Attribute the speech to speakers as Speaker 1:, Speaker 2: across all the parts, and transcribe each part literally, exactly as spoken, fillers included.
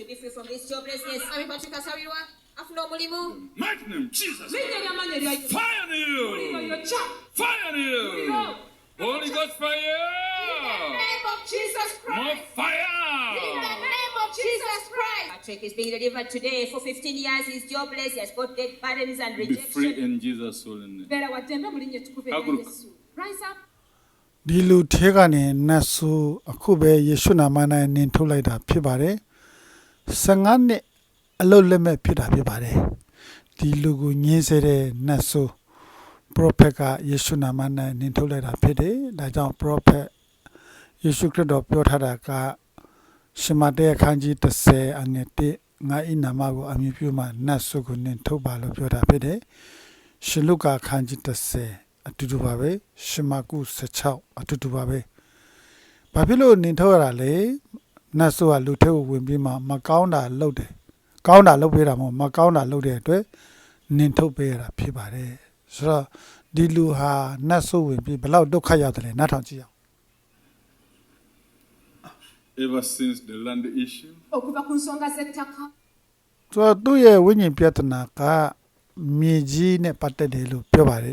Speaker 1: be free from this joblessness. Ami Patrick Asawirwa, afuna omulimu.
Speaker 2: Mighty name Jesus.
Speaker 3: Fire
Speaker 2: Fire on you. Fire on you. Holy Ghost fire.
Speaker 1: In the name of Jesus Christ.
Speaker 2: More fire.
Speaker 1: In the name of Jesus Christ. Patrick is being delivered today. For fifteen years, he's jobless. He has got debt burdens and
Speaker 2: Be
Speaker 1: rejection.
Speaker 2: free in Jesus' holy name.
Speaker 3: Rise up.
Speaker 4: ဒီလူထဲကနေနတ်ဆိုအခုပဲယေရှုနာမနဲ့နင်ထုတ်လိုက်တာဖြစ်ပါတယ်။ဆယ်ငါနှစ်အလုတ်လက်မဲ့ဖြစ်တာဖြစ်ပါတယ်။ဒီလူကိုညှင်းဆဲတဲ့နတ်ဆို prophet ကယေရှုနာမနဲ့နင်ထုတ်လိုက်တာဖြစ်တယ်။ဒါကြောင့် prophet ယေရှုခရစ်တော်ပြောထားတာကရှမတဲအခန်းကြီးthirtyအငယ်oneငါဤနာမကိုအမည်ပြုမှနတ်ဆိုကိုနင်ထုတ်ပါလို့ပြောတာဖြစ်တယ်။ရှင်လုကာအခန်းကြီးthirtyအတူတူပါပဲရှမကုsixteenအတူတူပါပဲဘာဖြစ်လို့နင်ထုတ်ရတာလဲနတ်ဆိုကလူထဲကိုဝင်ပြီးမှမကောင်းတာလုပ်တယ်ကောင်းတာလုပ်ပေးတာမဟုတ်မကောင်းတာလုပ်တဲ့အတွက်နင်ထုတ်ပေးရတာဖြစ်ပါတယ်ဆိုတော့ဒီလူဟာနတ်ဆိုဝင်ပြီးဘယ်လောက်ဒုက္ခရောက်တယ်လဲနားထောင်ကြည့်အောင်
Speaker 2: Ever since the land issue,
Speaker 3: Okuva ku nsonga z'ettaka.
Speaker 4: ဆိုတော့သူ့ရဲ့ဝိညာဉ်ပြဿနာကမြေကြီးနဲ့ပတ်သက်တယ်လို့ပြောပါတယ်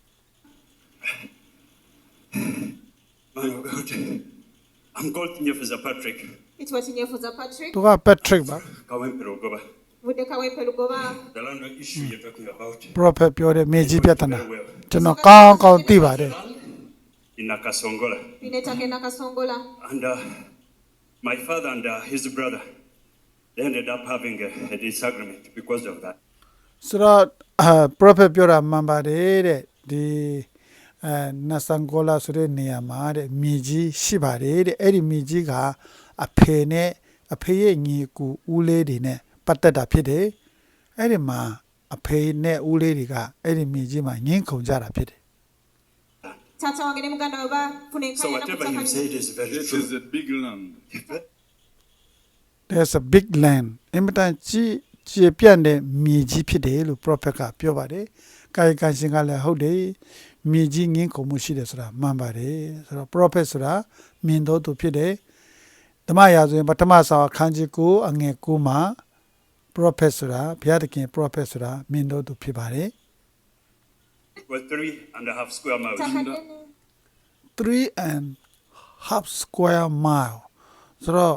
Speaker 5: Man of God, I'm called Nyefuza Patrick.
Speaker 1: It was in Nyefuza Patrick.
Speaker 4: သူက Patrick ပါ
Speaker 5: Kawempero Goba.
Speaker 1: Vudeka Wepe Lugoba.
Speaker 5: The land issue you're talking about.
Speaker 4: prophet ပြောတဲ့မြေကြီးပြဿနာကျွန်တော်ကောင်းကောင်းသိပါတယ်
Speaker 5: In Nakasongola.
Speaker 1: Inetake Nakasongola.
Speaker 5: And uh, my father and uh, his brother, they ended up having a, a disagreement because of that.
Speaker 4: ဆိုတော့ prophet ပြောတာမှန်ပါတယ်တဲ့ဒီအဲနတ်ဆန်ကိုလာဆိုတဲ့နေရာမှာတဲ့မြေကြီးရှိပါတယ်တဲ့အဲ့ဒီမြေကြီးကအဖေနဲ့အဖေရဲ့ညီကိုဦးလေးတွေနဲ့ပတ်သက်တာဖြစ်တယ်အဲ့ဒီမှာအဖေနဲ့ဦးလေးတွေကအဲ့ဒီမြေကြီးမှာငင်းခုန်ကြတာဖြစ်တယ်
Speaker 1: Tata wange ne muganda we bafuna
Speaker 5: So
Speaker 1: enkanya
Speaker 5: whatever you said is very
Speaker 2: it
Speaker 5: true.
Speaker 2: is a big land.
Speaker 4: there's a big land အင်မတန်ကြီးကျေပြန့်တဲ့မြေကြီးဖြစ်တယ်လို့ prophet ကပြောပါတယ်ကာယကံရှင်ကလည်းဟုတ်တယ်မြေကြီးငင်းခုန်မှုရှိတယ်ဆိုတာမှန်ပါတယ်ဆိုတော့ prophet ဆိုတာမြင်တော်သူဖြစ်တယ်ဓမ္မရာဆိုရင်ပထမဆောင်အခန်းကြီးnineအငယ်nineမှာ prophet ဆိုတာဘုရားသခင် prophet ဆိုတာမြင်တော်သူဖြစ်ပါတယ်
Speaker 5: It was three and a half square miles.
Speaker 4: three and half square mile ဆိုတော့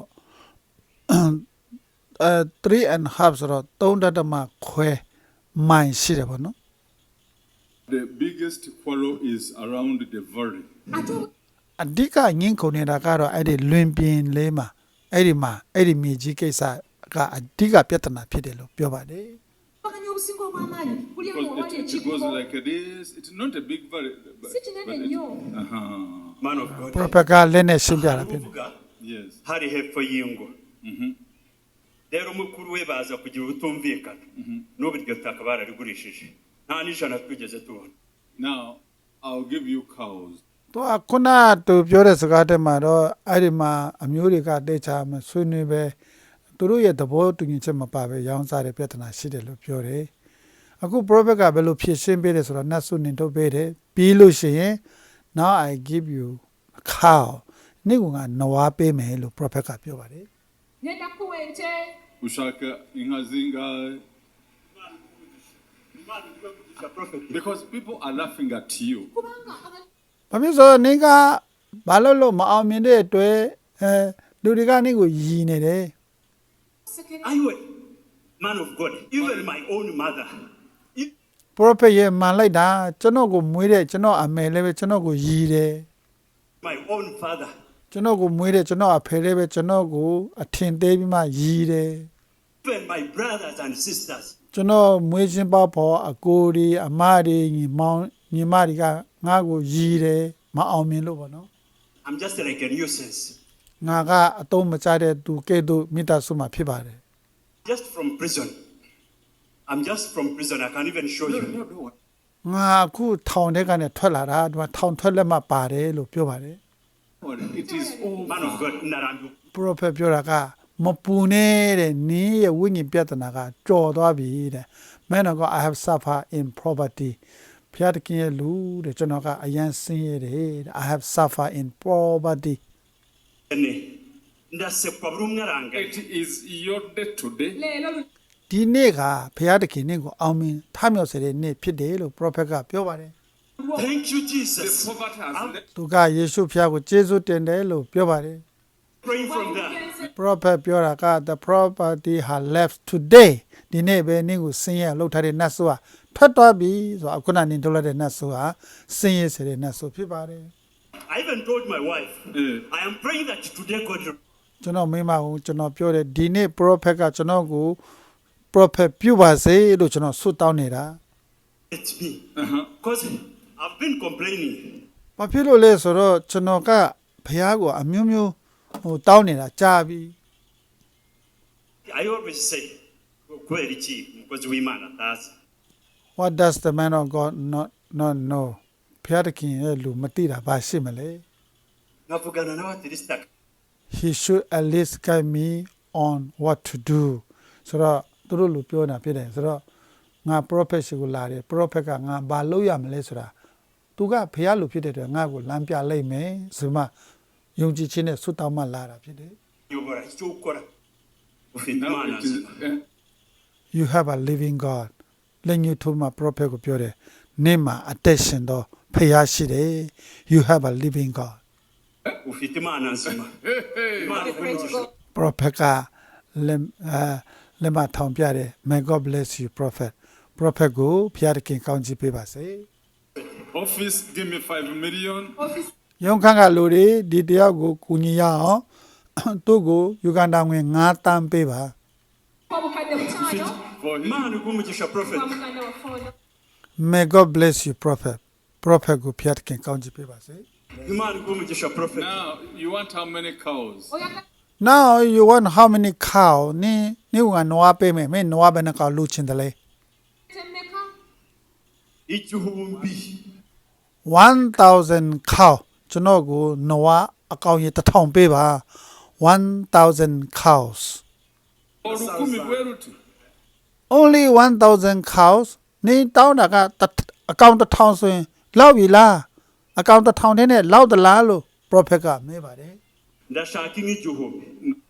Speaker 4: အဲ three and half ဆိုတော့threeဒသမခွဲမိုင်ရှိတယ်ပေါ့နော်
Speaker 2: The biggest quarrel is around the valley.
Speaker 4: အဓိကငင်းခုန်နေတာကတော့အဲ့ဒီလွင်ပြင်လေးမှာအဲ့ဒီမှာအဲ့ဒီမြေကြီးကိစ္စကအဓိကပြဿနာဖြစ်တယ်လို့ပြောပါတယ်
Speaker 3: Bakanya obusinga obw'amaanyi buli awo
Speaker 2: Because
Speaker 3: awali
Speaker 2: it, it goes
Speaker 3: ekikubo.
Speaker 2: like this. It's not a big valley. But,
Speaker 3: Si kinene
Speaker 2: but it-
Speaker 3: nnyo.
Speaker 2: uh-huh.
Speaker 5: Man of God.
Speaker 4: prophet ကလည်းနဲ့ရှင်းပြတာဖြစ်တယ်
Speaker 5: Uvuga
Speaker 2: Yes.
Speaker 5: hari hepfo y'ingo.
Speaker 2: Mm-hmm.
Speaker 5: Rero mukuru we baza kugira ubutumvikana. N'ubu iryo taka bararigurishije. Nta n'ijana twigeze tubona.
Speaker 2: Now, I'll give you cows.
Speaker 4: သူကခုနသူပြောတဲ့စကားတည်းမှာတော့အဲ့ဒီမှာအမျိုးတွေကတေချာမဆွေးနွေးပဲသူတို့ရဲ့သဘောတူညီချက်မပါပဲရောင်းစားတဲ့ပြဿနာရှိတယ်လို့ပြောတယ်အခု prophet ကဘယ်လိုဖြည့်ရှင်းပေးတယ်ဆိုတော့နတ်ဆုနင်ထုတ်ပေးတယ်ပြီးလို့ရှိရင် now I give you a cow နေ့ကနွားပေးမယ်လို့ prophet ကပြောပါတယ်
Speaker 3: Ngenda kuwa ente.
Speaker 2: Ushaka ingazinga. Because people are laughing at you.
Speaker 3: Kubanga abantu
Speaker 4: ဘာဖြစ်ဆိုနင်ကဘာလို့လို့မအောင်မြင်တဲ့အတွက်အဲလူတွေကနင့်ကိုယီနေတယ်
Speaker 3: sekere.
Speaker 5: Anyway, man of God, even my own mother. If
Speaker 4: prophet ရဲ့မှန်လိုက်တာကျွန်တော်ကိုမွေးတဲ့ကျွန်တော်အမေလည်းပဲကျွန်တော်ကိုယီတယ်
Speaker 5: my own father.
Speaker 4: ကျွန်တော်ကိုမွေးတဲ့ကျွန်တော်အဖေလည်းပဲကျွန်တော်ကိုအထင်သေးပြီးမှယီတယ်
Speaker 5: Even my brothers and sisters.
Speaker 4: ကျွန်တော်မွေးချင်းပေါဖို့အကိုတွေအမတွေညီမောင်ညီမတွေကငါ့ကိုယီတယ်မအောင်မြင်လို့ပေါ့နော်
Speaker 5: I'm just like a nuisance.
Speaker 4: ငါကအတုံးမချတဲ့သူကဲ့သို့မိသားစုမှာဖြစ်ပါတယ်
Speaker 5: Just from prison. I'm just from prison. I can't even show you.
Speaker 4: ငါအခုထောင်ထဲကနေထွက်လာတာဒီမှာထောင်ထွက်လက်မှပါတယ်လို့ပြောပါတယ်
Speaker 2: It is over.
Speaker 5: Man of God, Narandu.
Speaker 4: prophet ပြောတာကမပူနေတဲ့နင်းရဲ့ဝိညာဉ်ပြဿနာကကြော်သွားပြီတဲ့ man of God I have suffered in poverty ဖျားတကင်းရဲ့လူတဲ့ကျွန်တော်ကအယံဆင်းရဲတယ်တဲ့ I have suffered in poverty
Speaker 5: Any ndasekwa buri umwe arangaye
Speaker 2: It is your day today.
Speaker 3: leero lu-
Speaker 4: ဒီနေ့ကဘုရားသခင်နင့်ကိုအောင်မြင်ထမြောက်စေတဲ့နေ့ဖြစ်တယ်လို့ prophet ကပြောပါတယ်
Speaker 5: thank you
Speaker 2: The
Speaker 5: Jesus
Speaker 2: poverty has
Speaker 5: I'm
Speaker 2: left.
Speaker 4: သူကယေရှုဖျားကိုကျေးဇူးတင်တယ်လို့ပြောပါတယ်
Speaker 5: praying from there
Speaker 4: prophet ပြောတာက the property has left today ဒီနေ့ပဲနင့်ကိုဆင်းရဲလှုပ်ထားတဲ့နတ်ဆိုးဟာထွက်သွားပြီဆိုတော့အခုနနင်ထုတ်လိုက်တဲ့နတ်ဆိုးဟာဆင်းရဲစေတဲ့နတ်ဆိုးဖြစ်ပါတယ်
Speaker 5: I even told my wife
Speaker 2: Eh.
Speaker 5: I am praying that today God will
Speaker 4: ကျွန်တော်မိမကိုကျွန်တော်ပြောတယ်ဒီနေ့ prophet ကကျွန်တော်ကို prophet ပြုပါစေလို့ကျွန်တော်ဆုတောင်းနေတာ
Speaker 5: let me
Speaker 2: Uh-huh.
Speaker 5: because I've been complaining
Speaker 4: ဘာဖြစ်လို့လဲဆိုတော့ကျွန်တော်ကဘုရားကိုအမျိုးမျိုးဟိုတောင်းနေတာကြာပြီ
Speaker 5: I always say kweli chi mukozi w'Imana tazi
Speaker 4: what does the man of God not not know ဘုရားသခင်ရဲ့လူမသိတာဘာရှိမလဲ
Speaker 5: ngavugana nawe at least
Speaker 4: he should at least guide me on what to do ဆိုတော့သူတို့လူပြောတာဖြစ်တယ်ဆိုတော့ငါ prophet ရှိကိုလာတယ် prophet ကငါဘာလုပ်ရမလဲဆိုတာသူကဘုရားလူဖြစ်တဲ့အတွက်ငါ့ကိုလမ်းပြလိုက်မယ်ဆိုမှယုံကြည်ခြင်းနဲ့ဆုတောင်းမှလာတာဖြစ်တယ်
Speaker 5: yobora icyo ukora ufite
Speaker 2: Now
Speaker 5: Imana
Speaker 2: it is, eh,
Speaker 4: you have a living God လက်ညှိုးထိုးမှ prophet ကိုပြောတယ်နေ့မှာအသက်ရှင်တော့ဖျားရှိတယ် you have a living God
Speaker 5: ufite Imana nzima Imana
Speaker 1: Pray to
Speaker 5: ikugisha
Speaker 1: God.
Speaker 4: prophet ကလက်အာလက်မထောင်ပြတယ် may God bless you prophet prophet ကိုဖျားတခင်ကောင်းချီးပေးပါစေ
Speaker 2: office, give me five million.
Speaker 3: office
Speaker 4: ရုံခန့်ကလူတွေဒီတယောက်ကိုကူညီရအောင်သူ့ကိုယူကန်တာငွေငါးတန်းပေးပါ
Speaker 3: obukadde butaano
Speaker 2: For him.
Speaker 5: Imana ikumugisha prophet
Speaker 3: kwa muganda waffe ono
Speaker 4: may God bless you prophet prophet ကိုဖျားတခင်ကောင်းချီးပေးပါစေ
Speaker 5: Imana ikumugisha prophet
Speaker 2: Now, you want how many cows?
Speaker 3: oyagala
Speaker 4: now you want how many cow နင်းနင်းကနွားပေးမယ်မင်းနွားဘယ်နှကောင်လူချင်းတယ်လဲ
Speaker 3: temmeka
Speaker 5: igihumbi
Speaker 4: one thousand cow ကျွန်တော်ကိုနွားအကောင်ရေတစ်ထောင်ပေးပါ one thousand cows
Speaker 2: Olukumi bweruti.
Speaker 4: only one thousand cows နေတောင်းတာကတစ်အကောင်တစ်ထောင်ဆိုရင်လောက်ပြီလားအကောင်တစ်ထောင်နဲ့လောက်သလားလို့ prophet ကမေးပါတယ်
Speaker 5: ndashaka nk'igihumbi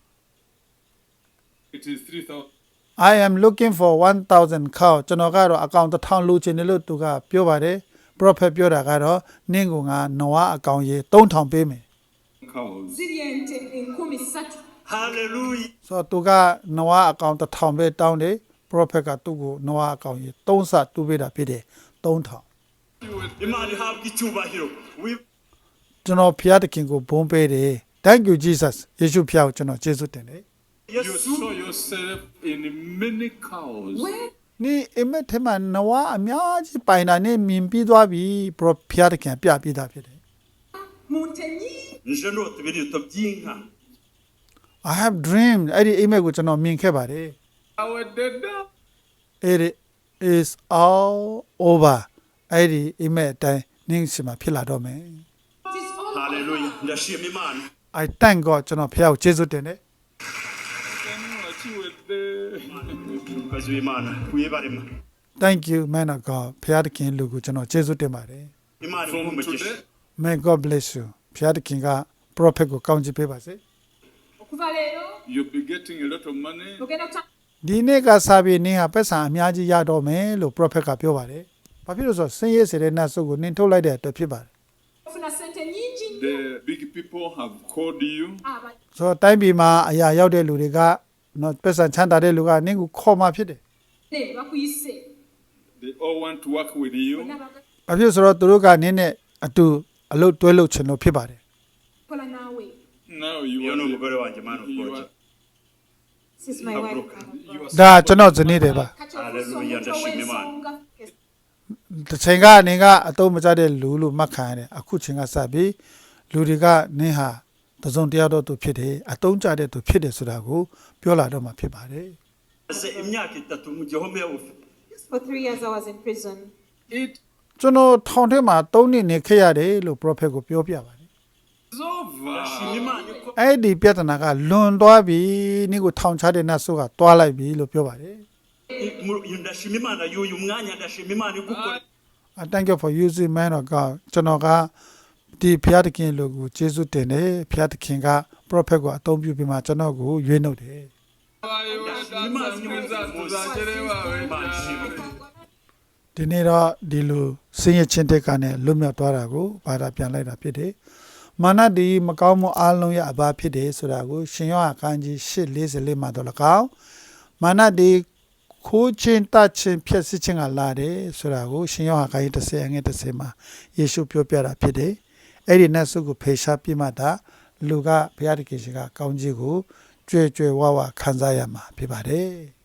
Speaker 2: It is three thousand.
Speaker 4: I am looking for one thousand cow ကျွန်တော်ကတော့အကောင်တစ်ထောင်လူချင်တယ်လို့သူကပြောပါတယ် prophet ပြောတာကတော့နင်းကငါနွားအကောင်ရေသုံးထောင်ပေးမယ်
Speaker 2: Cows.
Speaker 3: ziri ente enkumi ssatu
Speaker 5: hallelujah
Speaker 4: ဆိုတော့သူကနွားအကောင်တစ်ထောင်ပဲတောင်းတယ် prophet ကသူ့ကိုနွားအကောင်ရေသုံးဆတူးပေးတာဖြစ်တယ်သုံးထောင်
Speaker 5: Imana ihabwa icyubahiro We-
Speaker 4: ကျွန်တော်ဖျားတခင်ကိုဘုန်းပေးတယ် thank you jesus ယေရှုဖျားကိုကျွန်တော်ကျေးဇူးတင်တယ်
Speaker 2: You
Speaker 5: yesu
Speaker 2: saw yourself in many cows.
Speaker 3: where
Speaker 4: นี่အမက်ထဲမှာနွားအများကြီးပိုင်တာနဲ့မြင်ပြီးသွားပြီ pro ဖျားတခင်ပြပြတာဖြစ်တယ်
Speaker 3: mu nte nnyingi
Speaker 5: nje nota ibirito by'inka
Speaker 4: I have dreamed အဲ့ဒီအိမ်မက်ကိုကျွန်တော်မြင်ခဲ့ပါတယ်
Speaker 2: Our dada.
Speaker 4: it is all over အဲ့ဒီအိမ်မက်အတိုင်းနင်းစီမှာဖြစ်လာတော့မယ်
Speaker 3: it is all
Speaker 5: hallelujah ndashima Imana
Speaker 4: I thank God ကျွန်တော်ဖျားကိုကျေးဇူးတင်တယ်
Speaker 5: umukozi w'Imana wibarema
Speaker 4: thank you man of God ဖျားတခင်လူကိုကျွန်တော်ကျေးဇူးတင်ပါတယ်
Speaker 5: Imana
Speaker 2: From
Speaker 5: ikumugisha
Speaker 2: today,
Speaker 4: may God bless you ဖျားတခင်က prophet ကိုကောင်းချီးပေးပါစေ
Speaker 3: okuva leero
Speaker 2: you'll be getting a lot of money.
Speaker 3: ogenda kuta
Speaker 4: ဒီနေ့ကစားပြီးနင်းဟာပတ်စံအများကြီးရတော့မယ်လို့ prophet ကပြောပါတယ်ဘာဖြစ်လို့ဆိုတော့ဆင်းရဲစေတဲ့နတ်ဆုပ်ကိုနင်းထုတ်လိုက်တဲ့အတွက်ဖြစ်ပါတယ်
Speaker 3: ofuna sente nnyingi nnyo
Speaker 2: The big people have called you.
Speaker 3: aba
Speaker 4: ဆိုတော့တိုင်းပြည်မှာအရာရောက်တဲ့လူတွေကနော်ပတ်စံချမ်းသာတဲ့လူကနင်းကိုခေါ်มาဖြစ်တယ်
Speaker 3: ne bakuyise
Speaker 2: They all want to work with you.
Speaker 3: bonna baga-
Speaker 4: ။ဘာဖြစ်ဆိုတော့သူတို့ကနင်းနဲ့အတူအလုပ်တွဲလုပ်ချင်လို့ဖြစ်ပါတယ်
Speaker 3: kola naawe
Speaker 2: Now you
Speaker 5: iyo
Speaker 2: are,
Speaker 5: ni
Speaker 2: the-
Speaker 5: umugore wanjye mana
Speaker 2: you
Speaker 5: ukoje
Speaker 2: are,
Speaker 1: This is my wife.
Speaker 2: you are
Speaker 4: ။ဒါကျွန်တော်ဇနီးတယ်ပါ
Speaker 3: kati
Speaker 5: Hallelujah,
Speaker 3: ofuusa omuntu
Speaker 5: ndashima Imana.
Speaker 3: ow'ensonga
Speaker 4: ။တစ်ချိန်ကနေကအတုံးမကျတဲ့လူလို့မှတ်ခံရတယ်။အခုချိန်ကစပြီးလူတွေကနင်းဟာတစုံတယောက်တော့သူဖြစ်တယ်။အတုံးကျတဲ့သူဖြစ်တယ်ဆိုတာကိုပြောလာတော့မှဖြစ်ပါတယ်
Speaker 5: maze imyaka itatu mu gihome ufe
Speaker 1: For three years I was in prison.
Speaker 2: it
Speaker 4: ။ကျွန်တော်ထောင်ထဲမှာသုံးနှစ်နေခဲ့ရတယ်လို့ prophet ကိုပြောပြပါတယ်
Speaker 2: is over.
Speaker 5: ndashima Imana ko
Speaker 4: ။အဲ့ဒီပြဿနာကလွန်သွားပြီ။နင်းကိုထောင်ချတဲ့နတ်ဆိုးကတွားလိုက်ပြီလို့ပြောပါတယ်
Speaker 5: mu- ndashima Imana y'uyu mwanya ndashima Imana igukora
Speaker 4: I thank you for using man of God ကျွန်တော်ကဒီဘုရားသခင်လူကိုကျေးဇူးတင်တယ်ဘုရားသခင်က prophet ကိုအသုံးပြုပြီးမှကျွန်တော်ကိုရွေးနှုတ်တယ် ဒီနေ့တော့ဒီလိုစင်ရချင်းတက်ကနေလွတ်မြောက်သွားတာကိုဘာသာပြန်လိုက်တာဖြစ်တယ်။မာနဒီမကောင်းမှုအလုံးရဲ့အဘာဖြစ်တယ်ဆိုတာကိုရှင်ယောဟန်ခန်းကြီး၈၄၄မှာတော့၎င်းမာနဒီခိုးချင်းတချင်းဖြစ်စစ်ချင်းကလာတယ်ဆိုတာကိုရှင်ယောဟန်ခန်းကြီး၁၀အငယ်၁၀မှာယေရှုပြောပြတာဖြစ်တယ်။အဲ့ဒီနတ်ဆုကိုဖေရှားပြမှတာလူကဘုရားသခင်ရှင်ကကောင်းကြီးကိုကြွယ်ကြွယ်ဝဝခံစားရမှာဖြစ်ပါတယ်။